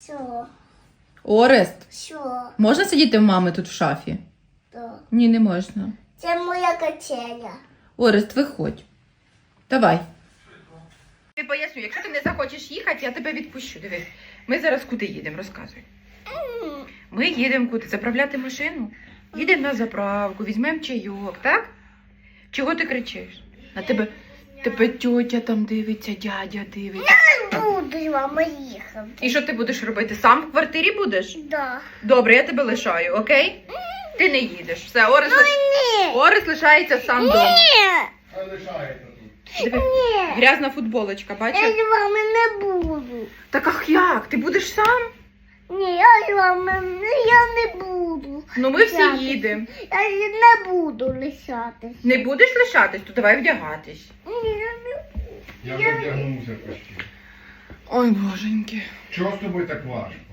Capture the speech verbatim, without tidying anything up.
Що? Орест, Що? можна сидіти в мами тут в шафі? Так. Ні, не можна. Це моя качеля. Орест, виходь. Давай. Я поясню, якщо ти не захочеш їхати, я тебе відпущу. Дивись, ми зараз куди їдемо, розказуй. Ми їдемо куди? Заправляти машину? Їдемо на заправку, візьмемо чайок, так? Чого ти кричиш? На тебе, тебе тьотя там дивиться, дядя дивиться. Не буду з вами їхати. І що ти будеш робити? Сам в квартирі будеш? Да. Добре, я тебе лишаю, окей? Ти не їдеш. Все, Орес, лиш... Ні. Орес лишається сам вдома. Ні. Хай лишається тут. Диви, Ні. грязна футболочка, Я бачиш? з вами не буду. Так ах як? Ти будеш сам? Ні, я з вами не- я не буду. Ну ми всі Лишатись. їдемо. Я не буду лишатись. Не будеш лишатись, то давай вдягатись. Ні, я не буду. Я вже вдягнувся почти. Ой, боженьки. Чого з тобою так важко?